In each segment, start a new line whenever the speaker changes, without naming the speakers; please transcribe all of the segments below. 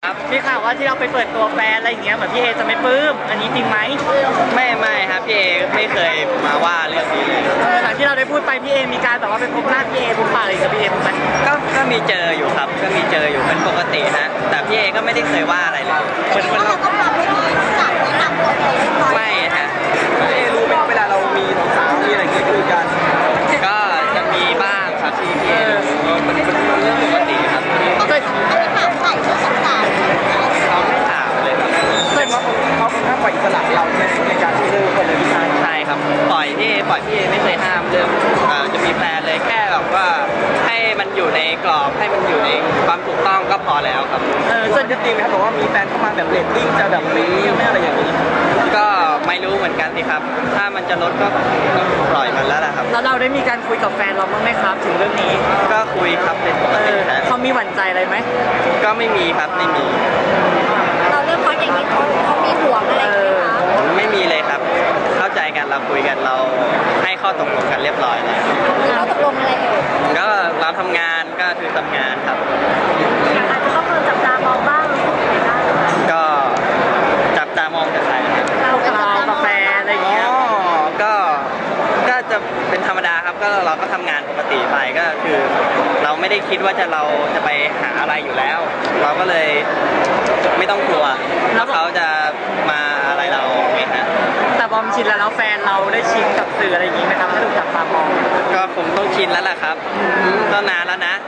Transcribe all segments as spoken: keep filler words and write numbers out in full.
มีข่าวว่าที่เราไปเปิดตัวแฟนอะไรอย่างเงี้ยเหมือนพี่เอจะไม่ปลื้มอันนี้จริงไหม
ไม่ไม่ครับพี่เอไม่เคยมาว่าเรื่องนี้เลย
หลังที่เราได้พูดไปพี่เอมีการแบบว่าไปพบหน้าพี่เอบุกป่าอะไรกับพี่เอถูกไหม
ก็ก็มีเจออยู่ครับก็มีเจออยู่เป็นปกติฮะแต่พี่เอก็ไม่ได้เคยว่าอะไรเลย
เหมือนเราต้องทำให้ดีจัดแนะนำตัวเอง
ไม่ฮะ
พี่เอรู้ไหมเวลาเรามีสาวมีอะไรเงี้ยคุยกัน
ก็จะมีบ้างครับที่พี่เอมันเป็นเรื่องปกติครับ
เขาเคยอันนี้ถามใส่เพื่อสงสาร
เขาไม่ถามเลยครับ
แต่ว่าเขาค่อนข้างปล่อยอิสระเราในการที่เลือกคนเลยพี่ชาย
ใช่ครับปล่อยพี่ปล่อยพี่ไม่เคยห้ามเรื่องจะมีแฟนเลยแค่แบบว่าให้มันอยู่ในกรอบให้มันอยู่ในความถูกต้องก็พอแล้วครับ
เออส่วนจริงไหมครับบอกว่ามีแฟนเข้ามาแบบเรตติ้งจะแบบไม่ไม่อะไรอย่างนี้
ก็ไม่รู้เหมือนกันสิครับถ้ามันจะลดก็ปล่อยมันแล้วแหละครับ
แล้วเราได้มีการคุยกับแฟนเราบ้างไหมครับถึงเรื่องนี้
ก็คุยครับเป็นปกตินะ
เขามีหวั่นใจอะไรไหม
ก็ไม่มีครับไม่มี
เราเรื่องพออย่างนี้เขาเขามีห่วงอะไรไหมคะ
ไม่มีเลยครับเข้าใจกันเราคุยกันเราให้ข้อตกลงกันเรียบร้อยแล้ว
เราตกลงอะไรเอ่ย
ก็เราทำงานก็คือทำงานครับ
อาจจะต้องโดนจับตามองบ้าง
ก็จับตามองจากใคร
เรากาแฟอะไรอย่างเงี้ย
ก็ก็จะเป็นธรรมดาครับก็เราก็ทำงานปกติไปก็คือเราไม่ได้คิดว่าจะเราจะไปหาอะไรอยู่แล้วเราก็เลยไม่ต้องกลัวว่าเขาจะมาอะไรเราไงฮะ
แต่บอมชินแล้วแฟนเราได้ชินกับสื่ออะไรอย่างงี้ไหมครับถ้าถูกจับตามอง
ก็คงต้องชินแล้วล่ะครับก็นานแล้วนะ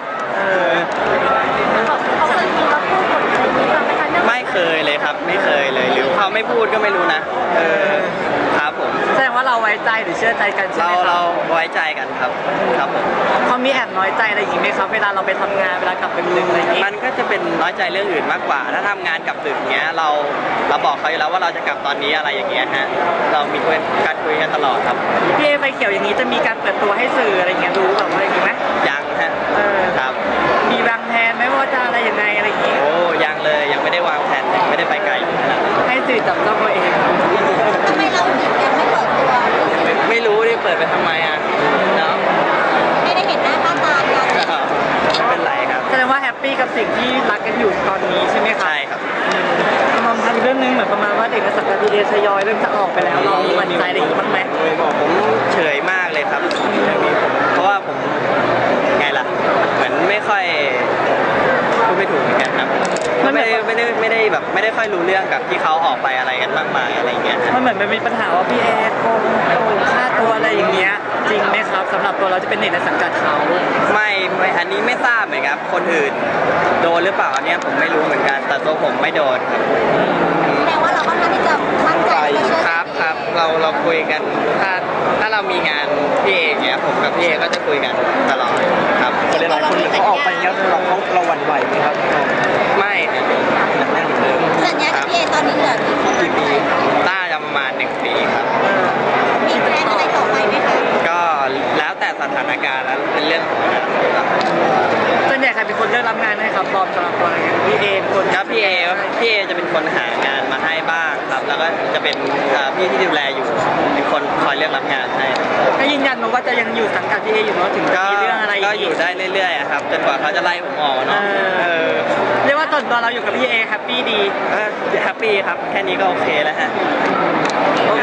เขาเคยมีมาพูดบทอะไรนี้บ้างไหมคะ
ไม่เคยเลยครับไม่เคยเลยหรือเขาไม่พูดก็ไม่รู้นะเออครับผม
แสดงว่าเราไว้ใจหรือเชื่อใจกันใช่ไหมครับ
เราเราไว้ใจกันครับครับผม
เขามีแอบน้อยใจอะไรอย่างงี้ไหมครับเวลาเราไปทำงานเวลากลับดึกๆอะไรอย่างงี้
มันก็จะเป็นน้อยใจเรื่องอื่นมากกว่าถ้าทำงานกลับดึกเงี้ยเราเราบอกเขาอยู่แล้วว่าเราจะกลับตอนนี้อะไรอย่างเงี้ยฮะเรามีการคุยกันตลอดครับ
พี่เอไฟเขียวอย่างนี้จะมีการเปิดตัวให้สื่ออะไรเงี้ยดูแบบว่าอย่างงี้ไหม
ยังฮะ
เออ
ครับ
มีวางแผนไหมว่าจะอะไรยังไงอะไรอย่างงี้
โอ้ยังเลยยังไม่ได้วางแผนยังไม่ได้ไปไกลขนาดนั้น
ให้สื่อจับตัวเอง
ทำไมเราถึงยังไม่เปิดตัว
ไม่รู้ดิเปิดไปทำไมอ่ะเนาะ
ไม่ได้เห็นหน้าค่าตากัน
ไม่เป็นไรครับ
แสดงว่าแฮปปี้กับสิ่งที่รักกันอยู่ตอนนี้ใช่ไหมครับ
ใช่ครับ
มองทำเรื่องนึงเหมือนประมาณว่าเด็กนักศึกษาพีเอทยอยเริ่มจะออกไปแล้วเรามีหวั่นใจอะไรอย่างนี้บ้างไหม
ผมเฉยมากเลยครับเพราะว่าผมไงล่ะเหมือนไม่ค่อยพูดไม่ถูกเหมือนกันครับไม่ได้ไม่ได้ไม่ได้แบบไม่ได้ค่อยรู้เรื่องกับที่เขาออกไปอะไรกันมากมายอะไรอย่างเงี้ย
มันเหมือนมันมีปัญหาว่าพี่เอโกงโกงค่าตัวอะไรอย่างเงี้ยจริงไหมครับสำหรับตัวเราจะเป็นเด็กในสังกัดเขา
ไม่ไม่อันนี้ไม่ทราบเหมือนกันคนอื่นโดนหรือเปล่าอันนี้ผมไม่รู้เหมือนกันแต่ตัวผมไม่โดนครับ
แสดงว่าเราค่อนข้างที่จะมั่นใจ
ครับครับเราเราคุยกันถ้าถ้าเรามีงานพี่เอเงี้ยผมกับพี่เอก็จะคุยกันตลอดครับ
หลายคนเขาออกไปแล้วเราเขาเราหวั่นไหวไหมครับ
ไม่
แน่นเหมือนเดิม
สัญญากับพี่เอตอนนี้เหลือกี่ปี
น่าจะประมาณหนึ่งปีครับ
มีแพลนอะไรต่อไปไหมคะ
ก็แล้วแต่สถานการณ์แล้วเป็นเรื่องของอนาคตครับ
ส่วนใหญ่ใครเป็นคนเลือกรับงานให้ครับบอมสำหรับตัวอะไรเงี้ยพี่เอเป็นคน
ครับพี่เอพี่เอจะเป็นคนหางานมาให้บ้างครับแล้วก็จะเป็นพี่ที่ดูแลอยู่เป็นคนคอยเลือกรับงานให้
ก็ยืนยันว่าจะยังอยู่สังกัดพี่เออยู่เนาะถึงจะมีเรื่องอะไร
ก็อยู่ได้เรื่อยๆครับจนกว่าเขาจะไล่ผมออกเนาะ
เรียกว่าตอนตัวเราอยู่กับพี่เอแฮปปี้ดี
แฮปปี้ครับแค่นี้ก็โอเคแล้วฮะ